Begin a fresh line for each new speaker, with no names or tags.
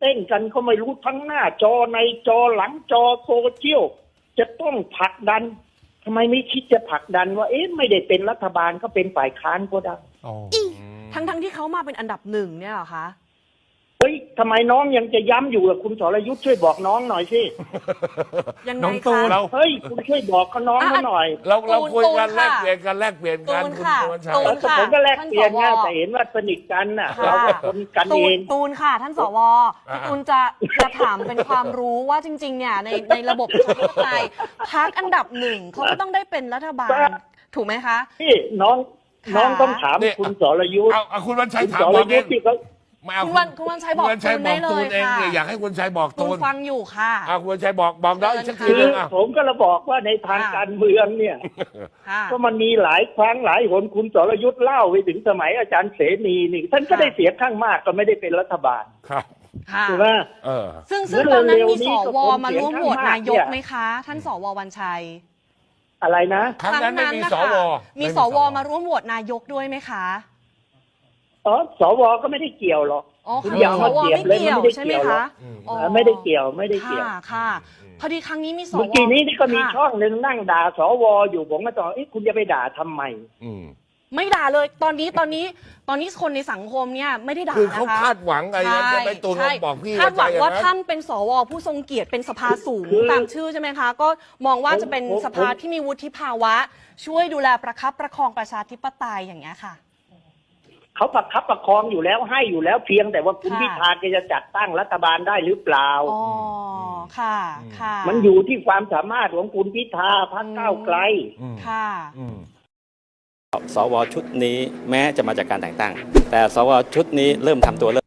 เต้นกันเขาไม่รู้ทั้งหน้าจอในจอหลังจอโซเชียลจะต้องผลักดันทำไมไม่คิดจะผลักดันว่าไม่ได้เป็นรัฐบาลก็เป็นฝ่ายค้านก็ได้
ทั้งที่เขามาเป็นอันดับหนึ่งเนี่ยเหรอคะ
เฮ้ยทำไมน้องยังจะย้ำอยู่ล่ะคุณสรยุทธ์ช่วยบอกน้องหน่อยสิ
ยังไงคะ
เฮ้ยคุณช่วยบอกเขาน้องเขาหน่อย
เราคุยกันแลกเปลี่ยนกันคุณวันชัย
ผมก็แลกเปลี่ยนไงแต่เห็นว่าสนิทกันน่ะเราก็คนกันเอง
ตูนค่ะท่านสวตูนจะถามเป็นความรู้ว่าจริงๆเนี่ยในระบบประชาธิปไตยพรรคอันดับหนึ่งเขาก็ต้องได้เป็นรัฐบาลถูกไหมคะ
พี่น้องต้องถามคุณสรยุทธ์
เอาคุณวันชัยถาม
บอกเอง
คุณวันชัยบอกตูนได้เลยค่ะ
อยากให้คุณชัยบอกตูน
ฟังอยู่ค่ะ
คุณวันชัยบอกน้องอีกสักทีนึง
ผมก็ระบอกว่าในทางการเมืองเนี่ยก็มันมีหลายครั้งหลายหนคุณสรยุทธ์เล่าไปถึงสมัยอาจารย์เสนีนี่ท่านก็ได้เสียงข้างมากก็ไม่ได้เป็นรัฐบาล
ครับ
ถูกไหม
ซึ่งตอนนั้นมีสวมาร่วมโหวตนายกไหมคะท่านสววันชัย
อะไรนะ
ครั้งนั้นไม่มีสว
มีสวมาร่วมโหวตนายกด้วยไหมคะ
สวก็ไม่ได้เกี่ยวหรอก
คุณอย่ามาเกี่ยวเลยไม่ได้เกี่ยวหรอก
ไม่ได้เกี่ยว
ค่ะพอดีครั้งนี้มีสว
เมื่อกี้นี้ก็มีช่องหนึ่งนั่งด่าสวอยู่ผมก็ตอบคุณจะไปด่าทำไม
ไม่ด่าเลยตอนนี้คนในสังคมเนี่ยไม่ได้ด่า
คือเขาคาดหวังอะไรจะไปตูนบอกพี่
คาดหวังว่าท่านเป็นสวผู้ทรงเกียรติเป็นสภาสูงตามชื่อใช่ไหมคะก็มองว่าจะเป็นสภาที่มีวุฒิภาวะช่วยดูแลประคับประคองประชาธิปไตยอย่างเงี้ยค่ะ
เขาประคับประคองอยู่แล้วให้อยู่แล้วเพียงแต่ว่าคุณพิธาจะจัดตั้งรัฐบาลได้หรือเปล่า
ค่ะ
มันอยู่ที่ความสามารถของคุณพิธาพรรคก้าวไกล
ค่ะ
สวชุดนี้แม้จะมาจากการแต่งตั้งแต่สวชุดนี้เริ่มทำตัว